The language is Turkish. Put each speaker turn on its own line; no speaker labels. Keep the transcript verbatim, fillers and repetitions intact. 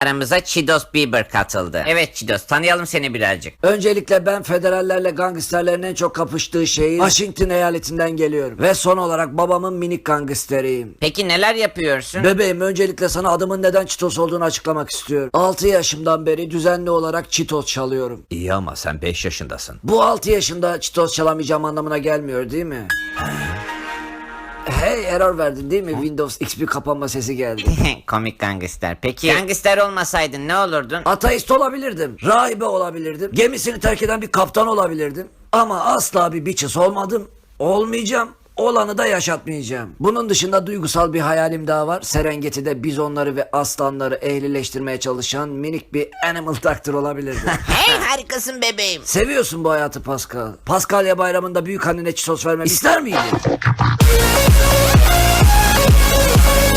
Aramıza Çitos Bieber katıldı. Evet Çitos, tanıyalım seni birazcık.
Öncelikle ben federallerle gangsterlerin en çok kapıştığı şehir Washington eyaletinden geliyorum. Ve son olarak babamın minik gangsteriyim.
Peki neler yapıyorsun?
Bebeğim, öncelikle sana adımın neden Çitos olduğunu açıklamak istiyorum. altı yaşımdan beri düzenli olarak Çitos çalıyorum.
İyi ama sen beş yaşındasın.
Bu altı yaşında Çitos çalamayacağım anlamına gelmiyor değil mi? Hey, error verdin değil mi? Windows X P kapanma sesi geldi.
Komik gangster. Peki gangster olmasaydın ne olurdun?
Ateist olabilirdim, rahibe olabilirdim, gemisini terk eden bir kaptan olabilirdim. Ama asla bir bitches olmadım, olmayacağım. Olanı da yaşatmayacağım. Bunun dışında duygusal bir hayalim daha var. Serengeti'de bizonları ve aslanları ehlileştirmeye çalışan minik bir animal doctor olabilirdim.
Hey, harikasın bebeğim.
Seviyorsun bu hayatı Pascal. Paskalya bayramında büyük annene çitos vermemi ister miydin?